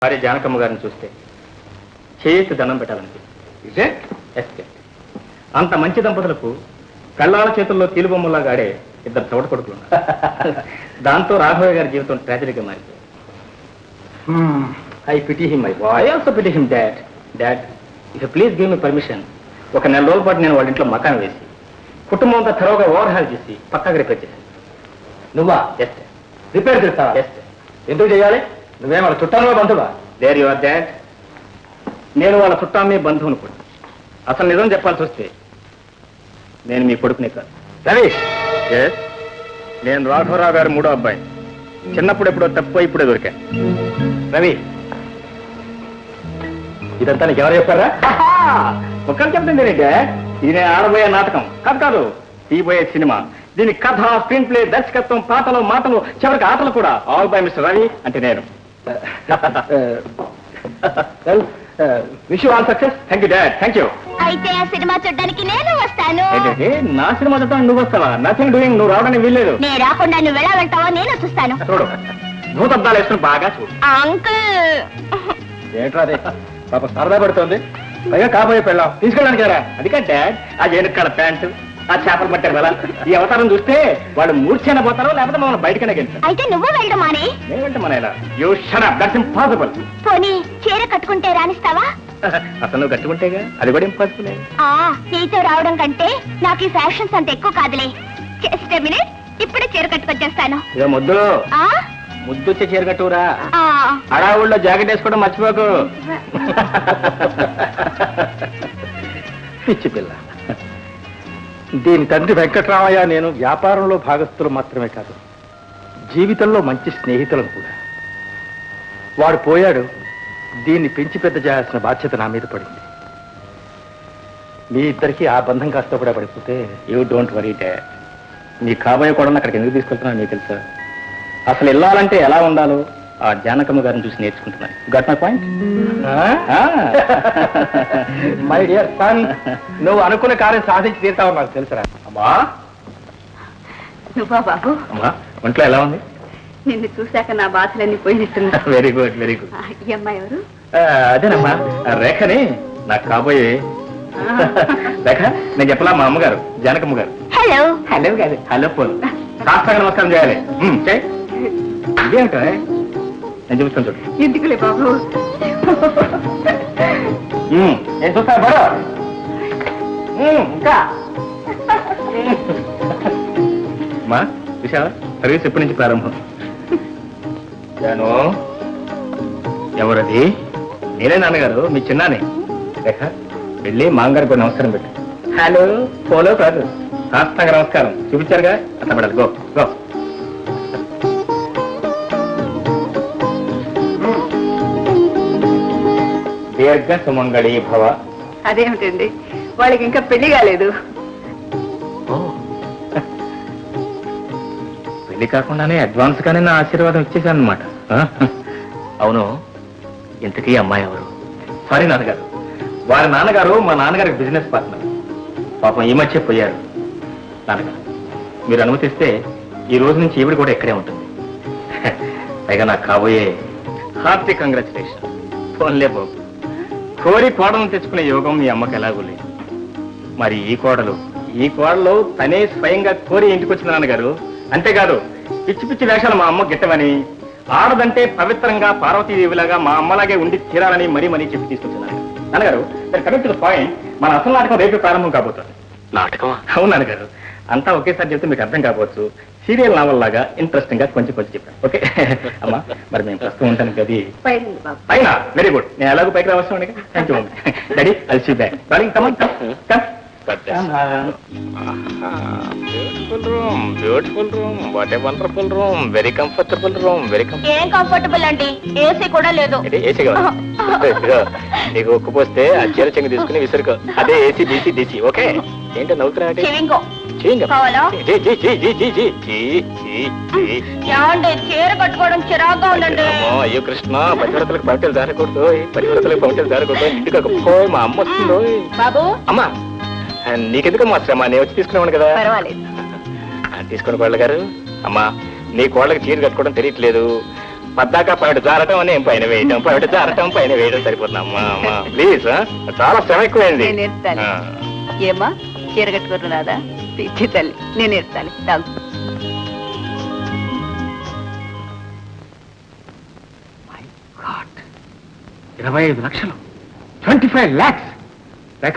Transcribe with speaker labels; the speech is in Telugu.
Speaker 1: భార్య జానకమ్మ గారిని చూస్తే చేతి దండం పెట్టాలనిపిస్తుంది. అంత మంచి దంపతులకు కళ్ళాల చేతుల్లో కీలుబొమ్మలాగా ఆడే ఇద్దరు చోట కొడుకులు ఉన్నారు. దాంతో రాఘవయ్య గారి జీవితం ట్రాజడీగా మారిపోయింది. I pity him, I also pity him. Dad if please give me permission, ఒక నెల రోజుల పాటు నేను వాళ్ళ ఇంట్లో మకాన్ వేసి కుటుంబం అంతా త్వరగా ఓవర్హాల్ చేసి పక్కాగా రిపేర్ చేశాను.
Speaker 2: నువ్వా?
Speaker 1: ఎస్
Speaker 2: రిపేర్ చేస్తావా?
Speaker 1: ఎస్
Speaker 2: ఎందుకు చేయాలి? నువ్వేం వాళ్ళ చుట్టాలో బంధువా?
Speaker 1: They're your dad. నేను వాళ్ళ చుట్టాన్ని బంధువును కూడా. అసలు నిజం చెప్పాల్సి వస్తే నేను మీ కొడుకునే కాదు.
Speaker 2: రవి,
Speaker 1: ఎస్, నేను రాఘవరావు గారు మూడో అబ్బాయి. చిన్నప్పుడు ఎప్పుడో తప్పు ఇప్పుడే దొరికాను.
Speaker 2: రవి, ఇదంతా నీకు ఎవరు చెప్పారా?
Speaker 1: ఒక్కరు చెప్తుంది డాడ్, ఇది నేను ఆడబోయే నాటకం కాదు, తీయబోయే సినిమా. దీని కథ, స్క్రీన్ ప్లే, దర్శకత్వం, పాటలు, మాటలు, చివరికి ఆటలు కూడా ఆల్ బై మిస్టర్ రవి అంటే నేను.
Speaker 2: Wish you all success.
Speaker 1: Thank you dad, thank you.
Speaker 3: అయితే ఆ సినిమా చూడడానికి నేను వస్తాను.
Speaker 1: ఏంటంటే నా సినిమా చూడటానికి నువ్వు వస్తావా? Nothing doing. నువ్వు రావడానికి వీల్లేదు.
Speaker 3: నేను రాకుండా నువ్వు ఎలా వెళ్తావో నేను చూస్తాను.
Speaker 1: చూడు, భూతద్దాలు వేసుకుని బాగా చూడు.
Speaker 3: అంకుల్,
Speaker 2: ఏంట్రా అదే? పాప సరదా పడుతోంది, పైగా కాబోయే పెళ్ళాం తీసుకెళ్ళడానికి రా.
Speaker 1: అది కాదు డాడ్, ఆ ఏనుక్కల ప్యాంటు, ఆ చేపలు పట్టారు కదా, ఈ అవతారం చూస్తే వాళ్ళు మూర్ఛైనా పోతారో లేకపోతే మమ్మల్ని బయటకనే గెలుస్తారు.
Speaker 3: అయితే నువ్వు వెళ్ళడం అని
Speaker 1: నేను వెంట మన ఇలా you shut up, that's impossible.
Speaker 3: పోనీ చీర కట్టుకుంటే రాణిస్తావా?
Speaker 1: అసలు నువ్వు కట్టుకుంటేగా, అది కూడా ఇంపాసిబుల్.
Speaker 3: నీతో రావడం కంటే నాకు ఈ ఫ్యాషన్స్ అంత ఎక్కువ కాదులే. జస్ట్ మినిట్, ఇప్పుడే చీర కట్టుకొచ్చేస్తాను.
Speaker 1: ఇక ముద్దులు ముద్దొచ్చే చీర కట్టురా. అడావుల్లో జాకెట్ వేసుకోవడం మర్చిపోకు.
Speaker 2: పిచ్చి పిల్ల. దీని తండ్రి వెంకట్రామయ్య నేను వ్యాపారంలో భాగస్థులు మాత్రమే కాదు, జీవితంలో మంచి స్నేహితులను కూడా. వాడు పోయాడు, దీన్ని పెంచి పెద్ద చేయాల్సిన బాధ్యత నా మీద పడింది. మీ ఇద్దరికి ఆ బంధం కాస్త కూడా పడిపోతే.
Speaker 1: You don't worry dad. నీ కాబోయే కూడా అక్కడికి ఎందుకు తీసుకెళ్తున్నా నీకు తెలుసా? అసలు వెళ్ళాలంటే ఎలా ఉండాలో ఆ జానకమ్మ గారిని చూసి నేర్చుకుంటున్నాను. Got my point?
Speaker 2: My dear son, నువ్వు అనుకున్న కార్యం సాధించి తీరుతావు నాకు తెలుసురా.
Speaker 1: అమ్మా,
Speaker 3: నువ్వా బాబు?
Speaker 1: అమ్మా, ఒంట్లో ఎలా ఉంది?
Speaker 3: నిన్ను చూశాక నా బాధలన్నీ పోయినట్టున్నా.
Speaker 1: Very good, very good.
Speaker 3: ఈ అమ్మాయి ఎవరు?
Speaker 1: అదేనమ్మా, రేఖని నాకు కాబోయే. రేఖ, నేను చెప్పలా మా అమ్మగారు జానకమ్మ గారు.
Speaker 3: హలో.
Speaker 1: హలో కాదు, హలో పోలు. సాష్టాంగ నమస్కారం చేయాలి. ఇదేమిటో నేను చూపిస్తాను చూడు.
Speaker 3: ఎందుకులే బాబు,
Speaker 1: నేను చూస్తాను బరో. ఇంకా మా విశాల సర్వీస్ ఎప్పటి నుంచి ప్రారంభం? జాను, ఎవరది? నేనే నాన్నగారు, మీ చిన్నానే. రేఖ, వెళ్ళి మామగారికి కూడా నమస్కారం పెట్టు. హలో పోలో కాదు, సాష్టాంగ నమస్కారం చూపించారుగా, అట్లా పడాలి. Go go. దీర్ఘ సుమంగళి భవ.
Speaker 3: అదేమిటండి, వాళ్ళకి ఇంకా పెళ్లి కాలేదు.
Speaker 1: పెళ్లి కాకుండానే అడ్వాన్స్ గానే నా ఆశీర్వాదం ఇచ్చేసాను అనమాట. అవును, ఇంతకీ అమ్మాయి ఎవరు? సారీ నాన్నగారు, వారి నాన్నగారు మా నాన్నగారికి బిజినెస్ పార్ట్నర్. పాపం ఈ మధ్య పోయారు. నాన్నగారు, మీరు అనుమతిస్తే ఈ రోజు నుంచి ఈవిడ కూడా ఇక్కడే ఉంటుంది. పైగా నాకు కాబోయే హార్టీ కంగ్రాచులేషన్. ఫోన్లే బాబు, కోరి కోడలను తెచ్చుకునే యోగం మీ అమ్మకి ఎలాగూ లేదు. మరి ఈ కోడలు తనే స్వయంగా కోరి ఇంటికి వచ్చిన నాన్నగారు. అంతేకాదు, పిచ్చి పిచ్చి వేషాలు మా అమ్మ గిట్టవని, ఆడదంటే పవిత్రంగా పార్వతీదేవిలాగా మా అమ్మలాగే ఉండి తీరాలని మరీ చెప్పి తీసుకొచ్చున్నాను. నాన్నగారు, కమింగ్ టు ద పాయింట్, మన అసలు నాటకం రేపు ప్రారంభం కాబోతుంది.
Speaker 2: నాటకం?
Speaker 1: అవును నాన్నగారు, అంతా ఒకేసారి చెప్తే మీకు అర్థం కావచ్చు. సీరియల్ నావల్ లాగా ఇంట్రెస్టింగ్ గా కొంచెం చెప్పాను. ఓకే అమ్మా, మరి మేము ప్రస్తుతం ఉంటాను గది పైన. వెరీ గుడ్, నేను ఎలాగో పైకి రావచ్చు. Thank you daddy, I'll see back. Darling, come on, come. Beautiful room, beautiful room, what a wonderful room. Very comfortable room, very
Speaker 3: ఏం కంఫర్టబుల్ అండి, ఏసీ కూడా లేదు.
Speaker 1: ఏసీ కావాలి నీకు ఉక్కుపోస్తే ఆ చీర చెంగు తీసుకుని విసురుకో. అదే ఏసీ డీసీ డీసీ. ఓకే, ఏంటో నవ్వుతున్నా?
Speaker 3: చీర కట్టుకోవడం చిరాగ్గా ఉందండి.
Speaker 1: అయ్యో కృష్ణ, పతివ్రతలకు పంటలు జారకూడదు, పతివ్రతలకు పంటలు జారకూడదు. ఇంటికి మా అమ్మ వస్తుందో.
Speaker 3: బాబు,
Speaker 1: అమ్మా నీకెందుకు మా శ్రమ, నేను వచ్చి తీసుకునేవాడు కదా.
Speaker 3: పర్వాలేదు,
Speaker 1: తీసుకుని కోళ్ళ గారు. అమ్మా, నీ కోళ్ళకి చీర కట్టుకోవడం తెలియట్లేదు. పద్దాక పైన జారటం నేను పైన వేయటం పైన జారటం పైన వేయడం సరిపోతుంది అమ్మా అమ్మా ప్లీజ్ చాలా శ్రమ ఎక్కువైంది
Speaker 4: నేను ఎత్తాలి
Speaker 1: ఆ.
Speaker 4: ఏమా చీర కట్టుకుంటున్నాదా పిచ్చి తల్లి నేను ఎత్తాలి తాగు
Speaker 2: 25 లక్షలు 25 lakhs